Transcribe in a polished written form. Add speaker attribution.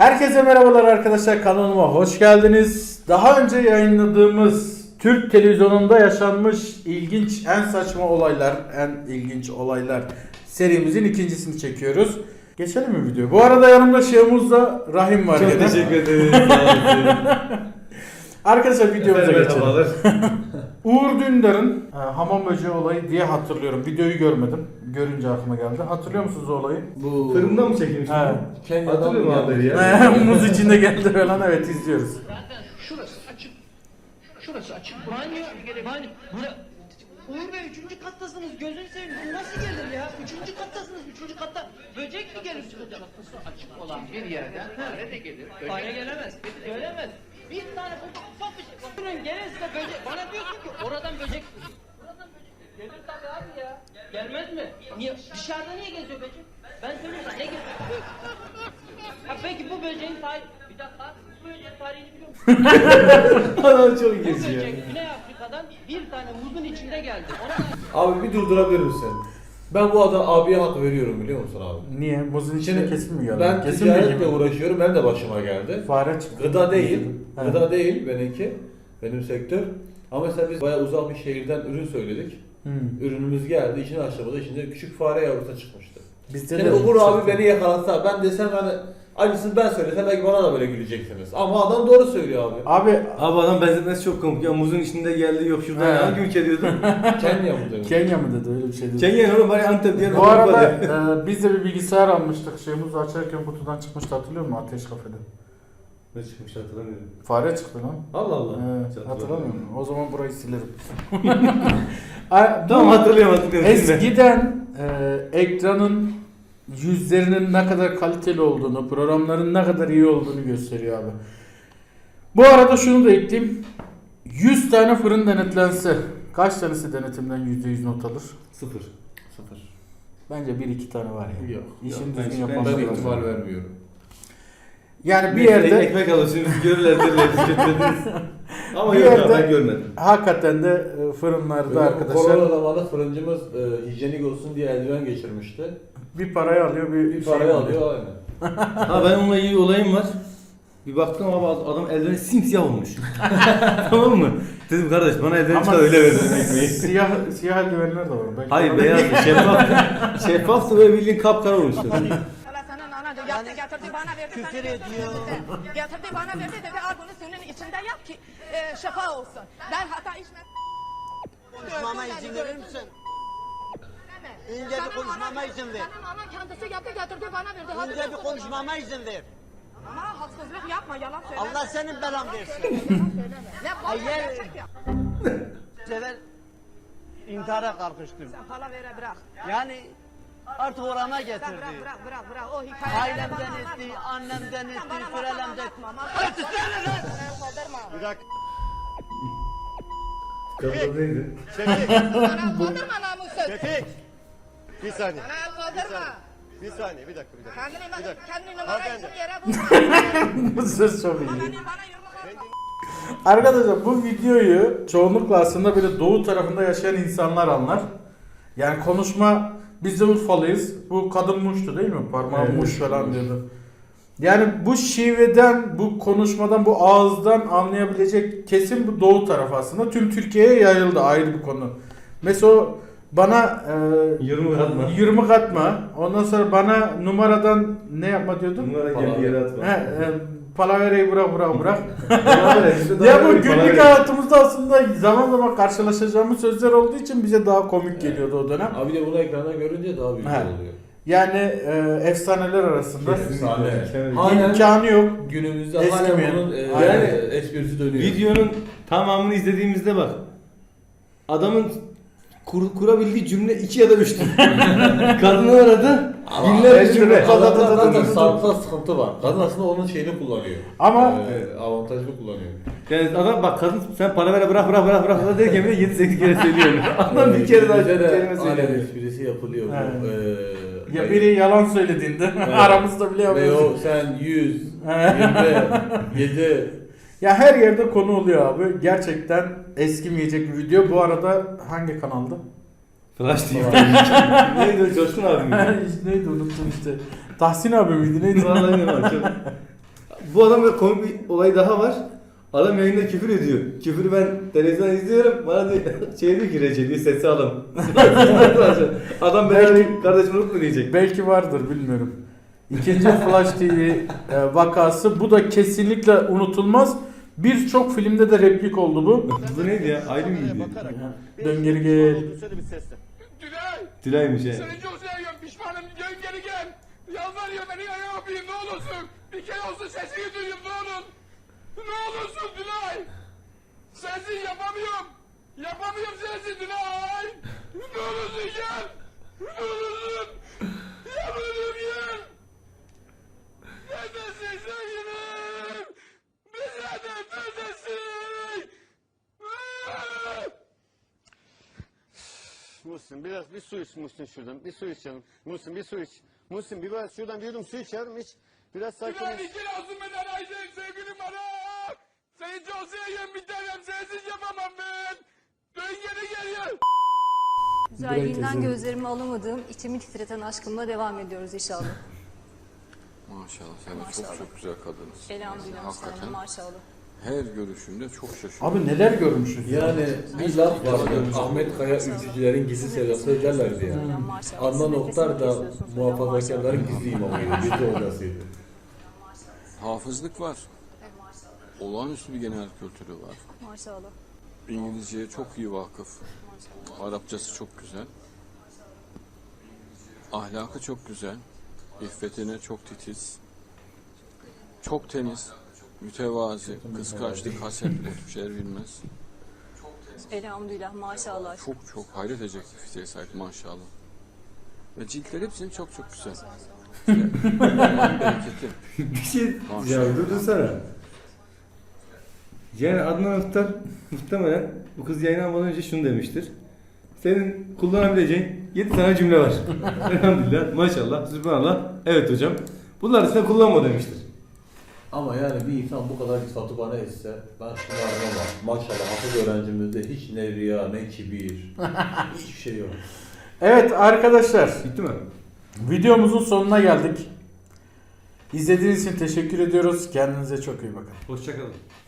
Speaker 1: Herkese merhabalar arkadaşlar, kanalıma hoş geldiniz. Daha önce yayınladığımız Türk televizyonunda yaşanmış ilginç, en saçma olaylar, en ilginç olaylar serimizin ikincisini çekiyoruz. Geçelim mi video? Bu arada yanımda Şehmuz'da Rahim var.
Speaker 2: Çok
Speaker 1: gene.
Speaker 2: teşekkür ederim.
Speaker 1: Arkadaşlar videomuza geçelim.
Speaker 2: Merhabalar.
Speaker 1: Uğur Dündar'ın hamam böceği olayı diye hatırlıyorum. Videoyu görmedim. Görünce aklıma geldi. Hatırlıyor musunuz o olayı?
Speaker 2: Bu fırında mı çekilmişti?
Speaker 1: Evet.
Speaker 2: Kenya'dan hatırlıyorum haberi ya.
Speaker 1: Muz içinde geldi falan, evet, izliyoruz.
Speaker 3: Zaten şurası açık. Şurası açık. Banyo. Uğur Bey 3. kattasınız. Gözünü seveyim. Bu nasıl gelir ya? 3. kattasınız. 3. katta böcek mi gelir? Kapısı açık olan bir yerden fare de gelir. Fare gelemez. Gelemez. Bir tane ufak bir şey. Bakın gelirse böcek. Bana diyorsun ki oradan böcek. Buradan böcek. Gelir tabii abi ya. Gelmez mi? Niye? Dışarıda niye geziyor böcek? Ben söyleyeyim sana ne geziyor? Ha peki bu böceğin tarihi... Bir dakika. Bu böceğin tarihini biliyor musun?
Speaker 2: Adam çok
Speaker 3: Bu
Speaker 2: geziyor.
Speaker 3: böcek Güney Afrika'dan bir tane muzun içinde geldi.
Speaker 2: Abi bir durdurabilir misin? Ben bu adam abiye hak veriyorum biliyor musun abi?
Speaker 1: Niye? Muzun içinde
Speaker 2: Şimdi
Speaker 1: kesin mi geldi?
Speaker 2: ben
Speaker 1: Kesin mi
Speaker 2: ticaretle
Speaker 1: gibi?
Speaker 2: uğraşıyorum. Ben de başıma geldi.
Speaker 1: Fare çıktı.
Speaker 2: Gıda değil.
Speaker 1: Evet.
Speaker 2: Gıda değil benimki. Benim sektör. Ama mesela biz bayağı uzak bir şehirden ürün söyledik. Ürünümüz geldi. İçine açtığımızda içinde küçük fare yavrusu çıkmıştı.
Speaker 1: Bizde
Speaker 2: Şimdi
Speaker 1: de
Speaker 2: Uğur abi
Speaker 1: çıktı.
Speaker 2: beni yakalatsa ben desem hani aynısını ben söylesem belki bana da böyle güleceksiniz. Ama adam doğru söylüyor abi.
Speaker 1: Abi
Speaker 4: Abi adam benzetmesi çok komik ya, muzun içinde geldi, yok şuradan
Speaker 1: He.
Speaker 4: hangi ülke diyordun?
Speaker 2: Kenya mı demiş?
Speaker 1: Kenya mı dedi, öyle bir şey dedi.
Speaker 4: Kenya oğlum, bari Antep diye.
Speaker 1: Bu arada biz de bir bilgisayar almıştık. Şeyimizi açarken kutudan çıkmıştı, hatırlıyor musun? Ateş kafede.
Speaker 4: Ne çıkmış hatırlamıyorum.
Speaker 1: Fare çıktı lan.
Speaker 4: Allah Allah.
Speaker 1: Evet, hatırlamıyor musun? O zaman burayı silerim.
Speaker 4: Tamam, hatırlıyorum. Şimdi.
Speaker 1: Eskiden ekranın yüzlerinin ne kadar kaliteli olduğunu, programların ne kadar iyi olduğunu gösteriyor abi. Bu arada şunu da ekleyeyim. 100 tane fırın denetlense kaç tanesi denetimden %100 not alır?
Speaker 4: Sıfır.
Speaker 1: Bence 1-2 tane var ya.
Speaker 2: Yok.
Speaker 1: İşin
Speaker 4: Ben-
Speaker 1: düzgün
Speaker 4: ben-
Speaker 1: yapanlar
Speaker 2: Ben
Speaker 1: lazım.
Speaker 2: ihtimal vermiyorum.
Speaker 1: Yani bir
Speaker 4: Neyse,
Speaker 1: yerde
Speaker 4: ekmek alırsınız, görürler derler, biz götürdünüz. Ama
Speaker 1: Bir
Speaker 4: yok
Speaker 1: yerde-
Speaker 4: ya, ben görmedim.
Speaker 1: hakikaten de fırınlarda arkadaşlar
Speaker 2: Korona zamanında fırıncımız hijyenik olsun diye eldiven geçirmişti.
Speaker 1: bir parayı alıyor, bir
Speaker 2: Bir
Speaker 1: şey
Speaker 2: parayı alıyor aynen.
Speaker 4: Ha, ben onunla ilgili olayım var. Bir baktım ama adam eldiveni simsiyah olmuş. Tamam mı? Dedim kardeş bana eldiveni
Speaker 1: Ama
Speaker 4: çıkar öyle verin ekmeği.
Speaker 1: siyah eldivenler de var. Belki
Speaker 4: Hayır, beyazdı, şeffaftı. Şeffaftı ve bildiğin kapkara olmuştu.
Speaker 5: Allah sana nana diyor. Yaptı getirdi bana verdi. Küfür ediyor. Getirdi bana verdi dedi al bunu suyun içinde yap ki şifa olsun. Ben hata içmedim.
Speaker 6: Konuşmama izin verir misin? İnce bir konuşmama izin ver.
Speaker 5: Senin anan kendisi yaptı getirdi bana verdi. Hadi
Speaker 6: İnce bir
Speaker 5: yapsın.
Speaker 6: konuşmama izin ver.
Speaker 5: Ama haksızlık yapma yalan söyleme.
Speaker 6: Allah senin belan versin.
Speaker 5: Yalan söyleme. Ne bana
Speaker 6: Hayır.
Speaker 5: gerçek yap.
Speaker 6: Sever intihara kalkıştım.
Speaker 5: Sen pala vere bırak.
Speaker 6: Yani artık orana
Speaker 5: Sen
Speaker 6: getirdi.
Speaker 5: bırak. O hikayeleri
Speaker 6: Ailemden
Speaker 5: bana
Speaker 6: etti,
Speaker 5: anlatma.
Speaker 6: annemden
Speaker 5: Sen
Speaker 6: etti,
Speaker 5: bana masal
Speaker 6: sürelemden.
Speaker 5: anlatma. Masal kaldırma.
Speaker 6: Bir dakika.
Speaker 4: Kapıda neydi?
Speaker 5: Bana kaldırma namussuz.
Speaker 6: Şefik. Bir saniye.
Speaker 5: Bana kaldırma.
Speaker 6: Bir saniye, bir dakika.
Speaker 5: Kendini numara için yere vurma.
Speaker 1: Bu söz çok iyi.
Speaker 5: Bana yumruk atma.
Speaker 1: Arkadaşlar bu videoyu çoğunlukla aslında böyle doğu tarafında yaşayan insanlar anlar. Yani konuşma, biz de Urfalıyız. Bu kadın muştu değil mi? Parmağı
Speaker 4: Evet.
Speaker 1: muş falan diyordu. Yani bu şiveden, bu konuşmadan, bu ağızdan anlayabilecek kesim bu doğu tarafı aslında. Tüm Türkiye'ye yayıldı, ayrı bir konu. Mesela o bana
Speaker 4: Yirmi atma.
Speaker 1: yirmi katma. Ondan sonra bana numaradan ne yapma diyordun?
Speaker 4: Numara geldi yere atma.
Speaker 1: Palavereyi bırak.
Speaker 4: Ya
Speaker 1: Ya bu günlük hayatımızda aslında zaman zaman karşılaşacağımız sözler olduğu için bize daha komik geliyordu o dönem.
Speaker 2: Abi de bunu ekranda görünce daha büyük
Speaker 1: He.
Speaker 2: oluyor.
Speaker 1: Yani efsaneler arasında imkanı yok.
Speaker 2: Günümüzde
Speaker 1: Eskimeyen.
Speaker 2: hala bunun
Speaker 1: Aynen.
Speaker 2: esprisi dönüyor.
Speaker 4: Videonun tamamını izlediğimizde bak. Adamın kurabildiği cümle 2 ya da 3'tü. Kadını aradı. Binlerce cümle.
Speaker 2: Kadın zaten sağlıkta sıkıntı var. Kadın aslında onun şeyini kullanıyor.
Speaker 1: Ama
Speaker 2: Avantajını kullanıyor.
Speaker 4: Yani adam bak, kadın sen para ver bırak derken bile 7-8 kere söylüyor. Adam bir kere daha
Speaker 2: Bizde de
Speaker 4: kelime
Speaker 2: aynen
Speaker 4: söylüyor.
Speaker 2: esprisi yapılıyor.
Speaker 1: Evet. Ya biri yalan söylediğinde aramızda bile
Speaker 2: Ve
Speaker 1: yapıyoruz.
Speaker 2: o sen 100, 7
Speaker 1: Ya her yerde konu oluyor abi. Gerçekten eskimeyecek bir video. Bu arada hangi kanalda?
Speaker 4: Flash TV. Neydi o, Coşkun abi mi?
Speaker 1: Neydi, unuttum işte. Tahsin abi miydi neydi?
Speaker 4: Vallahi ne var çok. bu adamda komik bir olay daha var. Adam yayında küfür ediyor. Küfürü ben televizyon izliyorum. Bana diyor, şey diyor ki Recep diyor sesi alın. Adam belki kardeşim unutma diyecek.
Speaker 1: Belki vardır bilmiyorum. İkinci Flash TV vakası. Bu da kesinlikle unutulmaz. Birçok filmde de replik oldu bu.
Speaker 4: Bu neydi ya? Ayrı mıydı?
Speaker 1: Dön geri gel.
Speaker 4: Tülay'mış he.
Speaker 7: Seni çok seviyorum, pişmanım, dön geri gel. Yalvarıyor beni ayağa öpeyim, ne olursun. Bir kere olsun sesini duyayım, ne olur. Ne olursun Tülay. Sensiz yapamıyorum. Yapamıyorum sensiz Tülay. Ne olursun gel. Ne olursun. Yalvarıyorum gel. Neredesin sevgilim? Bize de neredesin?
Speaker 6: Muhsin biraz bir su iç Muhsin şuradan. Bir su iç canım. Muhsin bir su iç. Muhsin biraz şuradan bir yudum su iç yavrum iç. Biraz sakin
Speaker 7: Tülay
Speaker 6: ol.
Speaker 7: iki olsun benden Ayşe sevgilim bana. Seni çok seviyorum bir tanem sensiz yapamam ben. Dön geri geliyor.
Speaker 8: Güzelliğinden gözlerimi alamadığım, içimi titreten aşkımla devam ediyoruz inşallah.
Speaker 9: Maşallah sen de
Speaker 8: Maşallah.
Speaker 9: çok güzel kadınsın.
Speaker 8: Elhamdülillah
Speaker 9: Hakikaten
Speaker 8: Müslümanım, maşallah.
Speaker 9: her görüşümde çok şaşırıyorum.
Speaker 1: Abi neler görmüşüz.
Speaker 2: Yani bir laf vardı. Ahmet Kaya ülkücülerin gizli sevdası derlerdi yani.
Speaker 8: Maşallah.
Speaker 2: Adnan
Speaker 8: Siz
Speaker 2: Oktar
Speaker 8: nefesini
Speaker 2: da
Speaker 8: kesiyorsunuz hocam,
Speaker 2: muhafazakarların gizli imamıydı. Gizli hocasıydı.
Speaker 9: Hafızlık var. Olağanüstü bir genel kültürü var.
Speaker 8: Maşallah.
Speaker 9: İngilizceye çok iyi vakıf. Arapçası çok güzel. Ahlakı çok güzel. İffetine çok titiz. Çok temiz. Mütevazi. Kıskançlık, haset, o tür şeyler bilmez.
Speaker 8: Elhamdülillah maşallah.
Speaker 9: Çok hayret edecek bir fiziğe sahip maşallah. Ve ciltler hepsinin çok güzel. Allah'ın bereketi.
Speaker 4: Bir şey ya durdursana. Yani Adnan Oktar muhtemelen bu kız yayınlanmadan önce şunu demiştir. Senin kullanabileceğin 7 tane cümle var. Elhamdülillah, maşallah, sübhanallah. Evet hocam. Bunlar arasında kullanma demiştir.
Speaker 2: Ama yani bir insan bu kadar sıfatı bana etse ben şunu aramam. Maşallah hafız öğrencimizde hiç ne riya ne kibir. Hiçbir şey yok.
Speaker 1: Evet arkadaşlar,
Speaker 4: Bitti mi?
Speaker 1: videomuzun sonuna geldik. İzlediğiniz için teşekkür ediyoruz. Kendinize çok iyi bakın.
Speaker 4: Hoşçakalın.